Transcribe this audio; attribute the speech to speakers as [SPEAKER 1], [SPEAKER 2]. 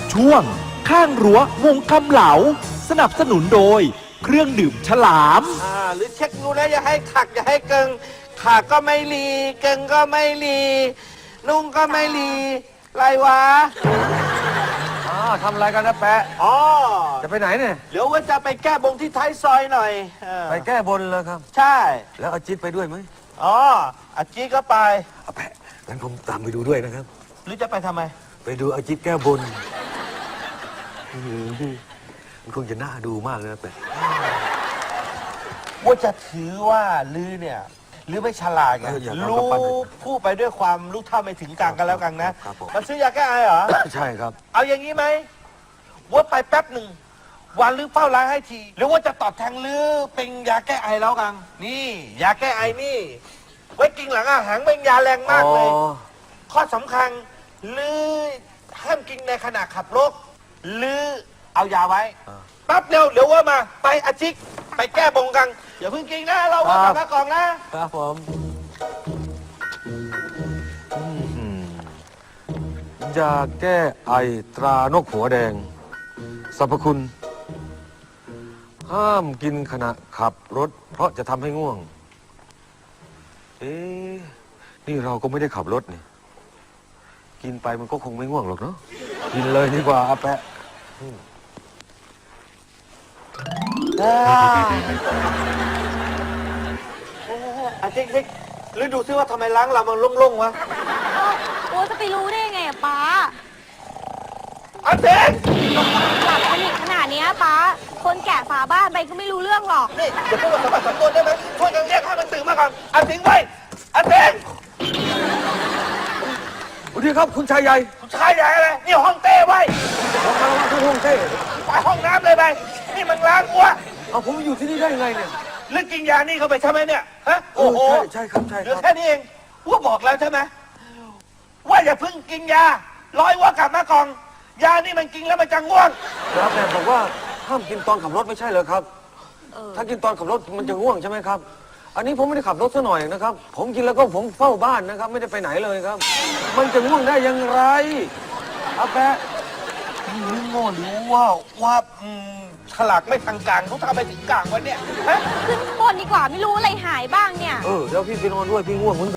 [SPEAKER 1] ช่วงข้างรั้ววงคำเหลาสนับสนุนโดยเครื่องดื่มฉลาม
[SPEAKER 2] หรือเช็คดูนะอย่าให้ขักอย่าให้เกิงขักก็ไม่รีเกิงก็ไม่รีนุ่งก็ไม่รีไรวะ
[SPEAKER 3] ทำอะไรกันนะแปะ
[SPEAKER 2] อ๋อ
[SPEAKER 3] จะไปไหนเนี่ย
[SPEAKER 2] เดี๋ยวว่าจะไปแก้บงที่ท้ายซอยหน่อย
[SPEAKER 3] ไปแก้บนเลยครับ
[SPEAKER 2] ใช่
[SPEAKER 3] แล้วเอาจิ๊ดไปด้วยไหม
[SPEAKER 2] อ๋ออาจีก็ไป
[SPEAKER 3] เอาแปะงั้นผมตามไปดูด้วยนะครับ
[SPEAKER 2] หรือจะไปทำไม
[SPEAKER 3] ไปดูเอาจิ๊ดแก้บนมันคงจะน่าดูมากเลยนะแปะ
[SPEAKER 2] ว่าจะถือว่าลือเนี่ยลือไม่ฉลาดไงรู้พูดไปด้วยความรู้เท่าไม่ถึงกลางกันแล้วกันนะมันซื้อยาแก้ไอเหรอ
[SPEAKER 3] ใช่ครับ
[SPEAKER 2] เอาอย่างนี้ไหมว่าไปแป๊บหนึ่งวันลือเฝ้าร้านให้ที หรือว่าจะตอบแทนลือเป็นยาแก้ไอแล้วกัน นี่ยาแก้ไอนี่ ไว้กินหลังอาหารเป็นยาแรงมากเลย ข้อสำคัญลือห้ามกินในขณะขับรถลือเอายาไว้แป๊บเดียวเดี๋ยวว่ามาไปอาจิกไปแก้บงกันอย่าเพิ่งกินนะเราว่ากลับมากล่องนะครับ
[SPEAKER 3] ผมยาแก้ไอตรานกหัวแดงสรรพคุณ ห้ามกินขณะขับรถเพราะจะทำให้ง่วง นี่เราก็ไม่ได้ขับรถนี่ กินไปมันก็คงไม่ง่วงหรอกเนาะ กินเลยดีกว่าอาแปะ
[SPEAKER 2] อาจิกหรือดูซิว่าทำไมล้างเรามันโล่งๆวะ
[SPEAKER 4] โอ้จะไปรู้ได้ไงอะป้า
[SPEAKER 2] อาจิก
[SPEAKER 4] หลับสนิทขนาดเนี้ยป้า คนแก่ฝาบ้านไปก็ไม่รู้เรื่องหรอก
[SPEAKER 2] นี่อย่าพูดว่าสมบัติสมบูรณ์ได้ไหมช่วยกันเรียกให้มันตื่นมาก่อนอาจิกไว้อาจิก
[SPEAKER 3] สวัสดีครับคุณชายใหญ่
[SPEAKER 2] คุณชายใหญ่อะไรนี่ห้องเต้ไว้
[SPEAKER 3] ผมมาแล้วที่ห้องเต้
[SPEAKER 2] ไปห้องน้ำเลยไปนี่มันล้างอ้วก
[SPEAKER 3] เอาผมอยู่ที่นี่ได้ยังไงเนี่ย
[SPEAKER 2] หรือกินยานี่เข้าไปใช่ไหมเนี่ยฮะโอ้โห
[SPEAKER 3] ใช่ครับใช่
[SPEAKER 2] เห
[SPEAKER 3] ค
[SPEAKER 2] ลือ
[SPEAKER 3] รับ
[SPEAKER 2] แค่นี้เองว่าบอกแล้วใช่ไหมว่าอย่าเพิ่งกินยาร้อยว่ากลับมาก่อนยานี่มันกินแล้วมันจะง่วง
[SPEAKER 3] ครับแต่บอกว่าห้ามกินตอนขับรถไม่ใช่เหรอครับ ถ้ากินตอนขับรถมันจะง่วงใช่ไหมครับ อันนี้ผมไม่ได้ขับรถซะหน่อยนะครับ ผมกินแล้วก็ผมเฝ้าบ้านนะครับ ไม่ได้ไปไหนเลยครับ มันจะง่วงได้อยังไรอาแปะ
[SPEAKER 2] นี่โง่หรือว่าฉลากไม่ทางกลางเขาทำไปถึงกลางวะเนี่ยฮะ
[SPEAKER 4] ขึ้นข้างบนดีกว่าไม่รู้อะไรหายบ้างเนี่ย
[SPEAKER 3] เดี๋ยวพี่ไปนอนด้วยพี่ง่วงเหมือนกัน